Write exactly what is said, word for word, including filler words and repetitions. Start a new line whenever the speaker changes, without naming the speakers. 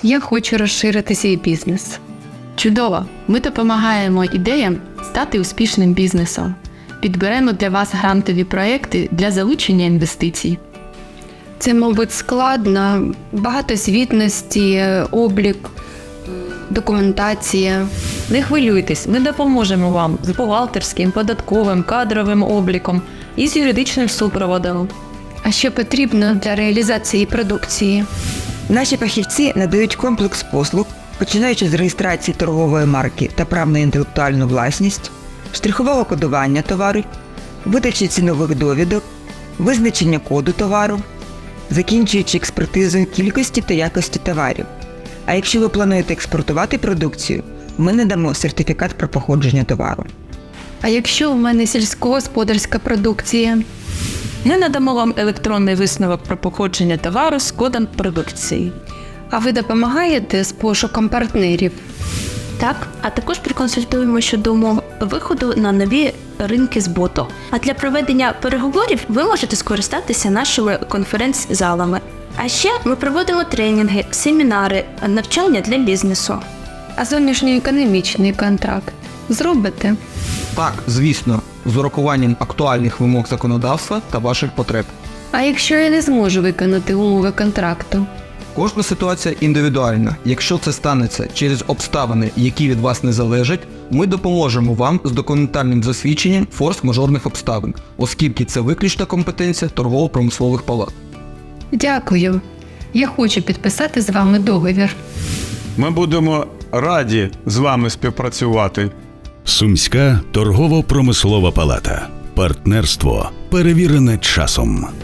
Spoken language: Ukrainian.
Я хочу розширити свій бізнес.
Чудово! Ми допомагаємо ідеям стати успішним бізнесом. Підберемо для вас грантові проекти для залучення інвестицій.
Це, мабуть, складно, багато звітності, облік, документація.
Не хвилюйтесь, ми допоможемо вам з бухгалтерським, податковим, кадровим обліком і з юридичним супроводом.
А що потрібно для реалізації продукції?
Наші фахівці надають комплекс послуг, починаючи з реєстрації торгової марки та прав на інтелектуальну власність, штрихового кодування товару, видачі цінових довідок, визначення коду товару, закінчуючи експертизою кількості та якості товарів. А якщо ви плануєте експортувати продукцію, ми надамо сертифікат про походження товару.
А якщо в мене сільськогосподарська продукція?
Ми надамо вам електронний висновок про походження товару з кодом продукції.
А ви допомагаєте з пошуком партнерів?
Так, а також проконсультуємо щодо умов виходу на нові ринки збуту. А для проведення переговорів ви можете скористатися нашими конференц-залами. А ще ми проводимо тренінги, семінари, навчання для бізнесу.
А зовнішньоекономічний контракт зробите?
Так, звісно, з урахуванням актуальних вимог законодавства та ваших потреб.
А якщо я не зможу виконати умови контракту?
Кожна ситуація індивідуальна. Якщо це станеться через обставини, які від вас не залежать, ми допоможемо вам з документальним засвідченням форс-мажорних обставин, оскільки це виключна компетенція торгово-промислових палат.
Дякую. Я хочу підписати з вами договір.
Ми будемо раді з вами співпрацювати.
Сумська торгово-промислова палата. Партнерство, перевірене часом.